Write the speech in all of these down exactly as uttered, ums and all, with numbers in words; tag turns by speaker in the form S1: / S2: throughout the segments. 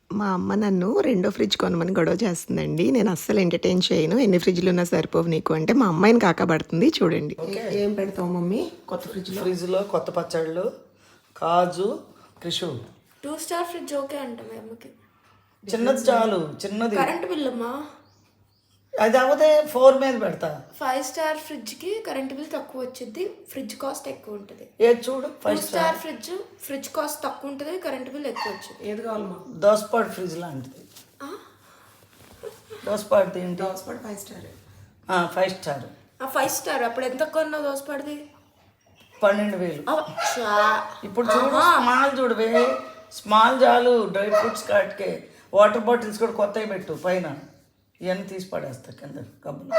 S1: మా అమ్మ నన్ను రెండో ఫ్రిడ్జ్ కొనమని గొడవ చేస్తుందండి. నేను అస్సలు ఎంటర్టైన్ చేయను. ఎన్ని ఫ్రిడ్జ్లు ఉన్నా సరిపోవు నీకు అంటే మా అమ్మాయిని కాకపడుతుంది చూడండి. ఏం పెడతావు మమ్మీ కొత్త ఫ్రిడ్జ్
S2: ఫ్రిడ్జ్లో కొత్త పచ్చళ్ళు, కాజు, క్రిషు.
S3: టూ స్టార్ ఫ్రిడ్జ్ ఓకే అంట మీ అమ్మకి.
S2: చిన్నది చాలు, చిన్నది.
S3: కరెంట్ బిల్ అమ్మా
S2: అది అవతే ఫోర్ మీద పెడతా.
S3: ఫైవ్ స్టార్ ఫ్రిడ్జ్ కి కరెంట్ బిల్ తక్కువ వచ్చింది, ఫ్రిడ్జ్ కాస్ట్ ఎక్కువ ఉంటుంది.
S2: ఏది చూడు,
S3: two
S2: five
S3: star fridge fridge cost తక్కువ ఉంటుంది, కరెంట్ బిల్ ఎక్కువ వచ్చింది.
S1: ఏది కావాలమ్మా?
S2: దోసపాటు ఫ్రిడ్జ్ లాంటిది. దోసపాటు ఏంటి?
S1: దోసపాటు five star.
S2: Five star.
S3: Five star అప్పుడు ఎంత కొన్నావు దోసపడిది?
S2: పన్నెండు వేలు. ఇప్పుడు చూడు స్మాల్ చూడవే, స్మాల్ చాలు. డ్రై ఫ్రూట్స్ కాటికే వాటర్ బాటిల్స్ కూడా కొత్తవి పెట్టు పైన. ఇవన్నీ తీసి పడేస్తా కింద కబ్బులు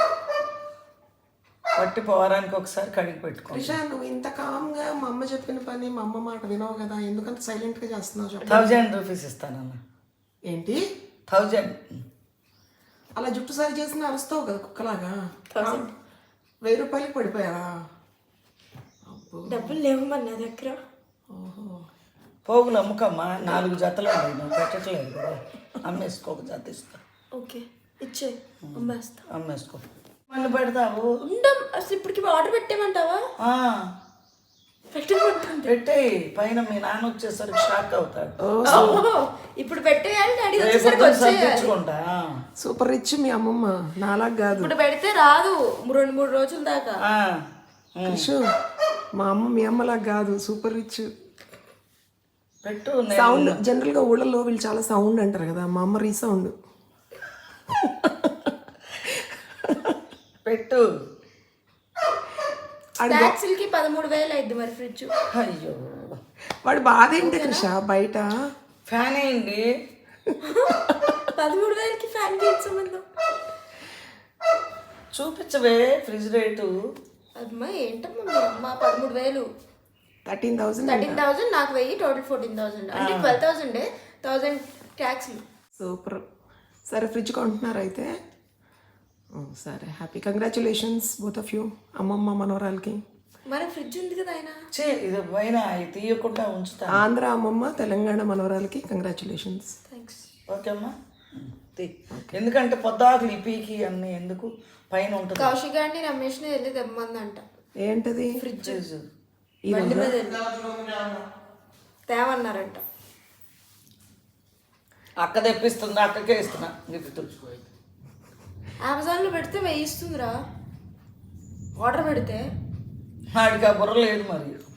S2: పట్టి పోవడానికి ఒకసారి కడిగి పెట్టుకో.
S1: రిషా నువ్వు ఇంత కామ్గా మా అమ్మ చెప్పిన పని మా అమ్మ మాట వినవు కదా, ఎందుకంత సైలెంట్గా చేస్తున్నావు చెప్పు.
S2: థౌజండ్ రూపీస్ ఇస్తానన్న.
S1: ఏంటి
S2: థౌజండ్?
S1: అలా జుట్టు సరి చేసిన అరుస్తావు కదా కుక్కలాగా. వెయ్యి రూపాయలకి పడిపోయావా?
S3: డబ్బులు లేవు మరి నా దగ్గర.
S1: ఓహో,
S2: పోగులు అమ్ముకమ్మా. నాలుగు జతలు ఉన్నాయి, నువ్వు పెట్టట్లేదు కదా. అమ్మేసుకో, ఒక జత ఇస్తా.
S3: ఓకే ఇచ్చే అమ్మేస్తా.
S2: అమ్మేసుకో. మళ్ళీ పెడతావు?
S3: ఉండం అసలు ఇప్పటికి ఆర్డర్ పెట్టేమంటావా? పెట్టమంటుంది.
S2: పెట్టేయి, పైన మీ నాన్న వచ్చేసరికి షాక్ అవుతాడు.
S3: ఇప్పుడు పెట్టేయాలి, డాడీ వచ్చేసరికి వచ్చేయాలి.
S2: తెచ్చుకుంటా.
S1: సూపర్ రిచ్ మీ అమ్మమ్మ, నాలాగా కాదు.
S3: ఇప్పుడు పెడితే రాదు రెండు మూడు రోజుల దాకా.
S1: రిషు మా అమ్మ మీ అమ్మలాగా కాదు, సూపర్ రిచ్.
S2: పెట్టు.
S1: సౌండ్ జనరల్గా ఊళ్ళలో వీళ్ళు చాలా సౌండ్ అంటారు కదా, మా అమ్మ రీసౌండ్.
S2: పెట్టు.
S3: ట్యాక్సీలకి పదమూడు వేలు అయింది మరి ఫ్రిడ్జ్.
S2: అయ్యో,
S1: వాడు బాధ ఏంటి కృష బయట?
S2: ఫ్యాన్ అయింది.
S3: పదమూడు వేలకి ఫ్యాన్ కి సంబంధం?
S2: చూపించవే ఫ్రిడ్జ్ రేటు.
S3: అమ్మా ఏంటమ్మా మీ అమ్మ పదమూడు వేలు.
S1: థర్టీన్ థౌసండ్
S3: థర్టీన్ థౌసండ్ నాకు వెయ్యి, టోటల్ ఫోర్టీన్ థౌసండ్ అంటే twelve thousand thousand tax.
S1: Super. సరే ఫ్రిడ్జ్ కొంటున్నారు అయితే? సరే, happy congratulations both of you, అమ్మమ్మ మనవరాలకి.
S3: మన ఫ్రిడ్జ్ ఉంది కదా ఆయన.
S2: చే ఇది పైన తీయకుండా ఉంచుతా.
S1: ఆంధ్ర అమ్మమ్మ, తెలంగాణ మనవరాలకి కంగ్రాచులేషన్స్.
S3: థ్యాంక్స్.
S2: ఓకే అమ్మా, ఎందుకంటే పొద్దాకులు ఈ పీకి అన్ని ఎందుకు, పైన ఉంటుంది.
S3: కౌశిక్ గారిని రమేష్ని వెళ్ళి తెమ్మందంట.
S1: ఏంటది?
S3: ఫ్రిడ్జ్
S1: ఈ
S3: బండి మీద తేమన్నారంట.
S2: అక్క తెప్పిస్తుంది, అక్కకే ఇస్తున్నా గిఫ్ట్.
S3: అమెజాన్లో పెడితే వెయ్యి ఇస్తుందిరా ఆర్డర్ పెడితే.
S2: వాడికి ఆ బుర్ర లేదు మరి.